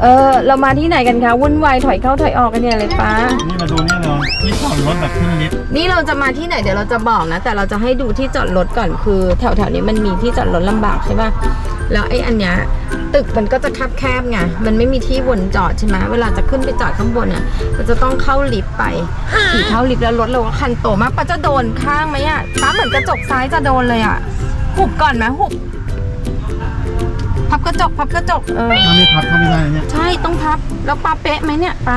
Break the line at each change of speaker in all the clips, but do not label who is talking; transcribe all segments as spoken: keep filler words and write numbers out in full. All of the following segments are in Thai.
เออเรามาที่ไหนกันคะวุ่นวายถอยเข้าถอยออกกันเนี่ยเลยป้า
นี่มาดูนี่เลยที่จอดรถแบบขึ้นลิฟต์
นี่เราจะมาที่ไหนเดี๋ยวเราจะบอกนะแต่เราจะให้ดูที่จอดรถก่อนคือแถวๆนี้มันมีที่จอดรถลำบากใช่ป่ะแล้วไอ้อันเนี้ยตึกมันก็จะแคบๆไงมันไม่มีที่วนจอดใช่ไหมเวลาจะขึ้นไปจอดข้างบนเนี่ยเราจะต้องเข้าลิฟต์ไปขี่เข้าลิฟต์แล้วรถเราก็คันโตมากป้าจะโดนข้างไหมอ่ะป้าเหมือนกระจกซ้ายจะโดนเลยอ่ะหุบก่อนไหมหุบพับกระจกพับกระจกเออ
ถ้าไม่พับก็ไม่ได้เนี่ย
ใช่ต้องพับแล้วป้าเป๊ะไหมเนี่ยป้า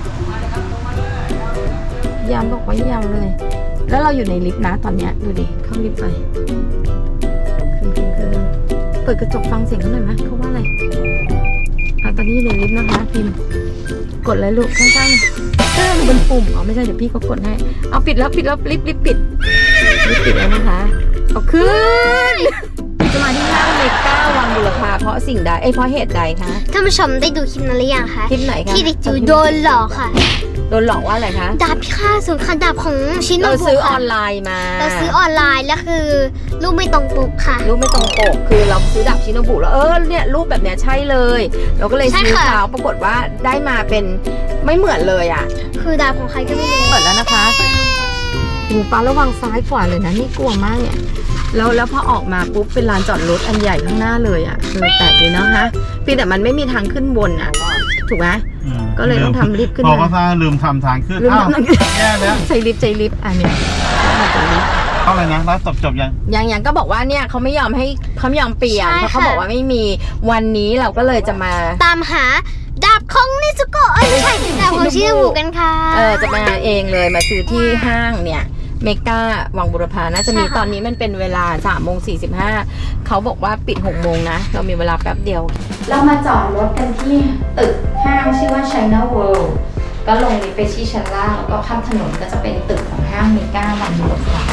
ยามบอกว่ายังเลยแล้วเราอยู่ในลิฟต์นะตอนเนี้ยดูดิเข้าลิฟต์ไปขึ้นขึ้นขึ้นเปิดกระจกฟังเสียงเขาหน่อยไหมเขาว่าอะไรอ่ะตอนนี้อยู่ในลิฟต์นะคะพิมพ์กดเลยลูกข้างๆเออมันเป็นปุ่มอ๋อไม่ใช่เดี๋ยวพี่เขากดให้เอาปิดแล้วปิดแล้วลิฟต์ลิฟต์ปิดลิฟต์ปิดแล้วนะคะเอาขึ้นจะมาที่ห้างเมกาวังบุรพาเพราะสิ่งใดเอ้เพราะเหตุใดคะ
ท่านผู้ชมได้ดูคลิปนั้นหรือยังคะ
คลิปไหนคะ
ที่เด็กจิ๋วโดนหลอกค่ะ
โดนหลอกว่าอะไรคะ
ดาบพิฆาตศูนย์ค่ะดาบของชิโนบุ
เราซื้อออนไลน์มา
เราซื้อออนไลน์แล้วคือรูปไม่ตรงปกค่ะ
รูปไม่ตรงปกคือเราซื้อดาบชิโนบุแล้วเออเนี่ยรูปแบบเนี้ยใช่เลยเราก็เลยซื้อเขาปรากฏว่าได้มาเป็นไม่เหมือนเลยอ่ะ
คือดาบของใครก็ไม่รู้
เปิดแล้วนะคะหูป้าระวังซ้ายขวาเลยนะนี่กลัวมากเนี่ยแล้วแล้วพอออกมาปุ๊บเป็นลานจอดรถอันใหญ่ข้างหน้าเลยอ่ะเออแปลกดีนะคะเพียงแต่มันไม่มีทางขึ้นบนอ่ะถูกไหมก็เลยต้องทำลิฟต์ขึ้น
พอก็ซ่าลืมทำทางขึ้นอ้าวแย่แล้ว
ใช้ลิฟต์ใช้ลิฟต์อันเนี้ยมาจากลิฟต์
เท่าไหร่นะแล้วจบจบยัง
ยังยังก็บอกว่าเนี่ยเขาไม่ยอมให้เขาไม่ยอมเปลี่ยนเพราะเขาบอกว่าไม่มีวันนี้เราก็เลยจะมา
ตามหาดาบของนิซุโกะเอ้ยไม่ใช่ดาบของชิโนบุกันค่ะ
เออจะมาเองเลยมาซื้อที่ห้างเนี่ยเมกาวังบุรพาน่าจะมีตอนนี้มันเป็นเวลาสามโมงสี่สิบห้าเขาบอกว่าปิดหกโมงนะเรามีเวลาแป๊บเดียวเรามาจอดรถกันที่ตึกห้างชื่อว่า China World ก็ลงลิฟต์ไปที่ชั้นล่างแล้วก็ข้ามถนนก็จะเป็นตึกของห้างเมกาวังบุรพา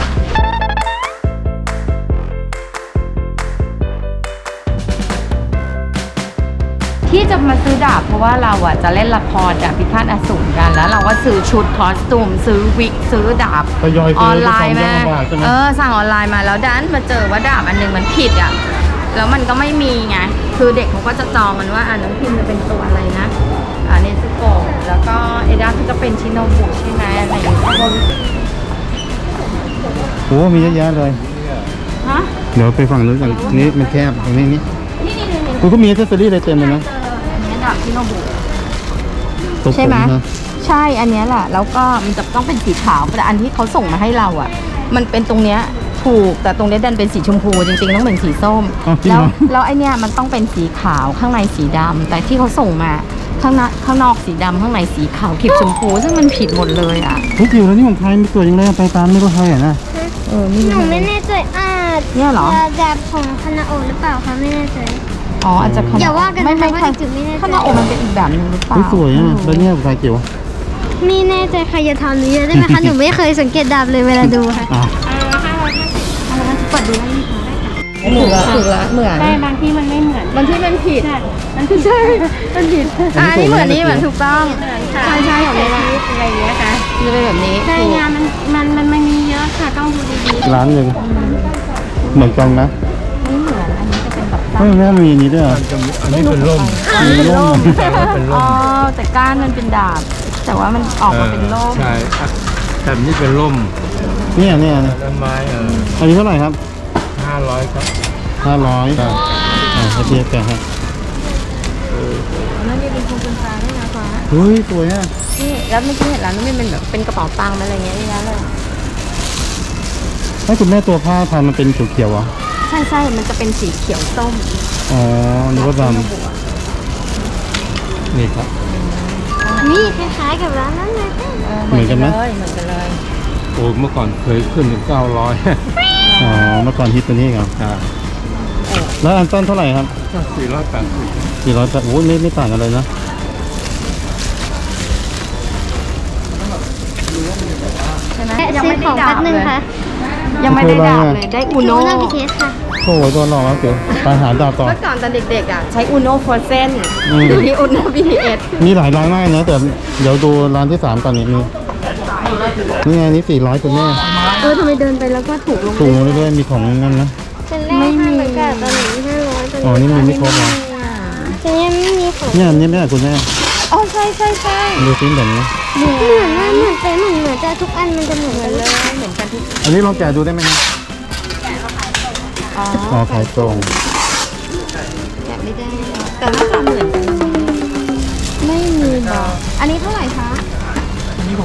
ที่จะมาซื้อดาบเพราะว่าเราอ่ะจะเล่นละครดาบพิฆาตอสูรกันแล้วเราก็ซื้อชุดคอสตูมซื้อวิกซื้อดาบออนไลน์มาเออสั่งออนไลน์มาแล้วดันมาเจอว่าดาบอันนึงมันผิดอ่ะแล้วมันก็ไม่มีไงคือเด็กเขาก็จะจองกันว่าอ่าน้องพิมจะเป็นตัวอะไรนะอ่าเนซุโกะแล้วก็เอด้าก็เป็นชิโนบุใช่ไหมอะไรอย่างเงี้ย
โอ้มีเยอะแยะเลย
ฮะ
เดี๋ยวไปฝั่งนู้นกันนี้มันแคบตรงนี้นี่
นี่นี่นี่
คุณก็มีแอคเซสซอรี่อะไรเต็มเลยนะ
ดาบชิโนบุใช่ไหมใช่อันนี้แหละแล้วก็มันจะต้องเป็นสีขาวแต่อันที่เขาส่งมาให้เราอ่ะมันเป็นตรงเนี้ยถูกแต่ตรงนี้ดันเป็นสีชมพูจริงๆต้องเป็นสีส้มแล้วแล้วไอเนี้ยมันต้องเป็นสีขาวข้างในสีดำแต่ที่เขาส่งมาข้างนอกข้างนอกสีดำข้างในสีขาวขีดชมพูซึ่งมันผิดหมดเลยอ่ะ
เฮ้ยจิ๋วแล้วนี่ของใครมีตัวยังไงไปตามไม่รู้ใครอ่ะนะ
เออนี่
หนูไม่แน่ใจอ่า
เนี่ยเหรอ
ดาบของคานาโอะหรือเปล่าคะไม่แน่ใจ
อ๋ออาจจะ
อย่าว่ากัน
ไม่ไม่
ค่ะจุดไม่แน่ใจ
ข้างนอกมันเป็นอีกแบบนึงหรือเปล่า
สวยอ่ะแล้วเนี่ยใครเกี่ยว
ไม่แน่ใจใครจะทำหรือได้ไหมคะหนูไม่เคยสังเกตดาบเลยเวลาดูค่ะ
เปิดดูได้เหมือนถูกละเหมือน
ใช่บางที่มันไม่เหมือน
บางที่มันผิด
มันคือใช่มันผิด
อ่านี่เหมือนนี่เหมือนถูกต้องใช่ใช่ของเรา
อะไรอย่างเงี้ยค่ะ
จะเป็นแบบนี้
ใช่งานมันมันมันไม่มีเยอะค่ะต้องดูดี
ๆร้านหนึ่งเหมือนกันนะ
ไม่เหมือนอันนี้จะเป็นแบบ
ไม่แม่มีอันนี้ด้วย
อันนี้เป็นร่ม
เป็นร่มอ๋อแต่ก้านมันเป็นดาบแต่ว่ามันออกมาเป็นร่ม
ใช่แบบนี้เป็นร่ม
เนี่ยเนี่ย
ต้นไม้เออ
อันนี้เท่าไหร่ครับ
ห้าร้อยครับ
ห้าร้อยครับอ่าเทียบกันครับ
นั่นนี่เป็นโครงเป็นปลาด้วยนะฟ้า
เฮ้ยสวยอ่ะ
นี่แล้วเมื่อกี้เห็นร้านนู้นเป็นแบบเป็นกระเป๋าตังค์อะไรเงี้ยนี่นะเลย
ให้คุณแม่ตัวผ้าทำมันเป็นเขียวๆอ่ะ
ใช่ใช่มันจะเป็นสีเขียวส้ม
อ๋อนึกว่าดำนี่ครับ
นี่คล้ายๆกับร้านนั้นเลย
เหมือนกันไหม
เหมือนกันเลย
โอ้เมื่อก่อนเคยขึ้นถึงเก้าร้อย
อ๋อเมื่อก่อนฮิตตัวนี้ครับแล้วอันต้นเท่าไหร่ครับ
สี่ร้อยแปดสิบ
สี่ร้อยแปดโอ้ไม่ไม่ต่างกันเลยนะ
ใช่ไหม
ยังไม่ได้ดาบเลย
ยังไม่ได้ดาบเลยได้อูโน่
โอ้โหตัวหล่อแล้วเดี๋ยวไปหาดาบต่อ
เมื่อก่อนตอนเด็กๆอ่ะใช้อูโน่โฟร์เซนดูที่อูโน่บีทีเอส
มีหลายร้านมากนะแต่เดี๋ยวดูร้านที่สามก่อนนิดนึงนี่ไงนี่สี่ร้อยคุณแม่
เออทำไมเดินไปแล้วก็ถูกลง
ถูกลงเรื่อยๆมีของนั่นนะ
ไม่มีตอนนี้ห้าร้อย
อ๋อนี่มีไม่ครบหรอ
แต่ยังไม่มีของ
เนี่ยอันนี้ไม่ใช่คุณแม่
อ๋อใช่ใช่ใช่
ดูซิเหมือนไหม
เหมือนนะเหมือนเป็นเหมือนเหมือนจะทุกอันมันจะเหมือนกันเลย
เหมือนกันทุก
อันนี้ลองแกะดูได้ไหมครับ
อ๋อ
อ๋อขายตรง
แกะไม่ได้ แต่หน้าตาเหมือนกันไม่มีบอกอันนี้เท่าไหร่คะ
อันนี้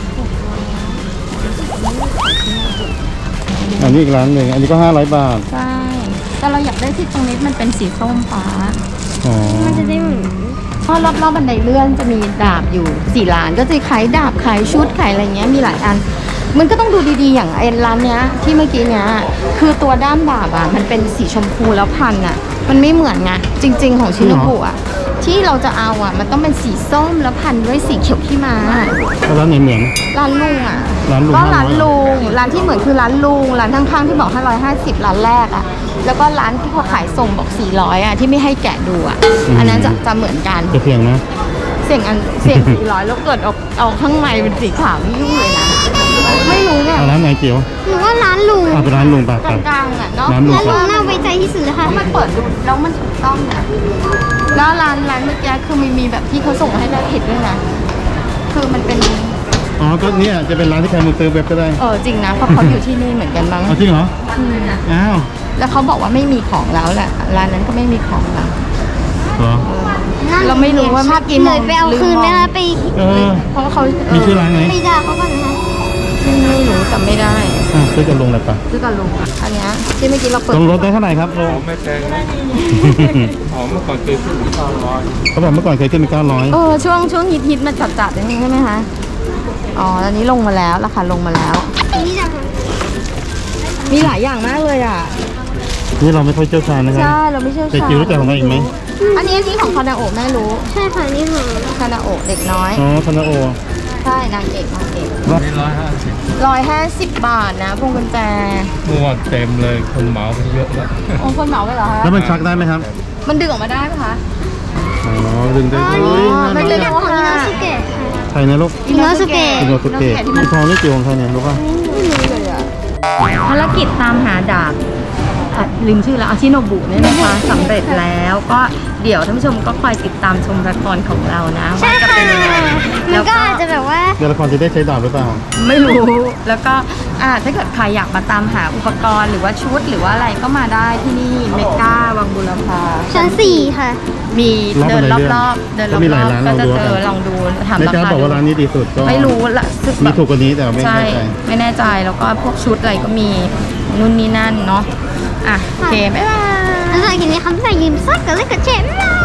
อีกร้านหนึ่งอันนี้ก็ห้าร้อยบาท
ใช่ แต่เราอยากได้ที่ตรงนี้มันเป็นสีส้มฟ้า
อ๋อ
มันจะได้เหมือน
เพราะรอบๆบันไดเลื่อนจะมีดาบอยู่สี่ร้าน ก็จะขายดาบขายชุดขายอะไรเงี้ยมีหลายอัน มันก็ต้องดูดีๆอย่างไอ้ร้านเนี้ยที่เมื่อกี้เนี้ยคือตัวด้ามดาบอ่ะมันเป็นสีชมพูแล้วพันอ่ะ มันไม่เหมือนไงจริง ๆ ของชิโนบุอ่ะที่เราจะเอาอ่ะมันต้องเป็นสีส้มแล้วพันด้วยสีเขียวขี้ม้า
แล้วร้านไหนเหมือน
ร้านลุงอ่ะ
ร้านลุง
ก็ร้าน
ห้าร้อย
ลุงร้านที่เหมือนคือร้านลุงร้านข้างๆที่บอกห้าร้อยห้าสิบร้านแรกอ่ะแล้วก็ร้านที่เขาขายส่งบอกสี่ร้อยอ่ะที่ไม่ให้แกะดูอ่ะอันนั้นจะจะเหมือนกัน
จะเพียงนะ
เสี่ยงอันเสี่ยงสี่ร้อยแล้วเกิดเอาเอาข้างในเป็นสีขาวนี่ยุ่งเลยนะไม่รู้เนี่ย
เอาร้านไหนเกี่ยว
หนูว่าร้านลุง
เอาไปร้านลุงไป
ก
ไป
ลางๆอ่ะเนาะ
ร้านลุง
ร้านลุงน่าไว้ใจที่สุดเลยค่ะ
เพราะมันเปิดดูแล้วมันถูกต้องนะแล้วร้านร้านเมื่อกี้คือมันมีแบบที่เขาส่งให้เราเห็นด้วยนะคือมันเป็น
อ๋อก็เนี่ยจะเป็นร้านที่ใครมึงซื้อเว็บก็ได้
เออจริงนะเพราะเขาอยู่ที่นี่เหมือนกันมั้ง
เอาจริงเหรออ้าว
แล้วเขาบอกว่าไม่มีของแล้วแหละร้านนั้นก็ไม่มีของแล้ว
เหรอ
เราไม่รู้ว่าเมื่อกี้ม
เล
อง
ยไปเอาคืนไหมคะไป
เออ
เพราะว่าเขาเอ
มี
อ
ชื่อร้านไหม
ไปด่าเขาก่อนนะคะ
ไม่รู้จำไม่ได้
อ่ะซื้อกับลุงเลยปะ
ซื้อกับลุงอ่ะอันเนี้ยที่เมื่อกี้เราเปิด
ลงรถได้เท่าไหร่ครับลุง
อ๋อไม่แพงนะอ๋อเมื่อก่อนเคยขึ้นถึงเก้าร้อย
เขาบอกเมื่อก่อนเคยขึ้นเป็นเก้าร้อย
เออช่วงช่วงฮิตฮิตมันจัดจัดๆอย่างนี้ใช่ไหมคะอ๋อตอนนี้ลงมาแล้วราคาลงมาแล้ว
นี่ด่าเขา
มีหลายอย่างมากเลยอ่ะ
นี่เราไม่ค่อยเชี่ยวชาญนะครับ
ใช่เราไม่เชี่ยว
แต่
ชาญ
จิ๋วรู้จักของมันอีกไหม
อันนี้อันนี้ของคานาโอะแม่รู้
ใช่ค่ะนี่ของ
คานาโอะเด็กน้อย
อ๋อคานาโอ
ใช่นางเอกนางเอก
นี่ร้อยห้าสิบ
ร้อยห้าสิบบาทนะพวงกุญแจ
เมื่อวานเต็มเลยคนเหมาไปเยอะแล้ว
โอ้คนเหมาไปเหรอคะ
แล้วมันชักได้ไหมครับ
มันดึงออกมาได้ไหมคะ
อ๋อดึงได้
อ๋อ
ด้วย
ไม่ได้
นี่ของอินาสุเกะค่ะ
ใครนะลูก
อิโนสุเกะ
อิโนสุเกะ
ที่มัน
ทองนี่จิ๋วของใครเนี่ยรู้ป่ะ
ภารกิจตามหาดาบอ่ะลืมชื่อแล้วอาชิโนบุเนี่ยนะคะสำเร็จแล้วก็เดี๋ยวท่านผู้ชมก็คอยติดตามชมละครของเรานะ
ใช่
ว่าจะ
ค่ะ
เป็นยังไง
มั
แล้
น
ว
ก็
ก็
อาจจะแบบว่า
เดี๋ยวละครจะได้ใช้ดาบหรือเปล่า
ไม่รู้แล้วก็อ่าถ้าเกิดใครอยากมาตามหาอุปกรณ์หรือว่าชุดหรือว่าอะไรก็มาได้ที่นี่เมกาวังบุรพา
ชั้นสี่ค่ะ
มี
รอบ
เดิน
บันไดเลื่อน
รอบๆเดินร
ก็มีหลาย
อบ
ร้าน
ๆก็จะ
ลองดู
เจอ
กัน
ลองดูถาม
แม่
รา
จ้า
คา
บอกว่าร้านนี้ดีสุดก็
ไม่รู้ละสึก
มี
แบบ
ถูกกว่านี้แต่ไม่
ใช่
แน่ใจ
ไม่แน่ใจแล้วก็พวกชุดอะไรก็มีนู่นนี่นั่นเนาะอ่ะโอเคบ๊ายบาย
แล้วสำหรับคลิปนี้คำสั่งยืมซักกับเล่นกับเชฟบ๊ายบาย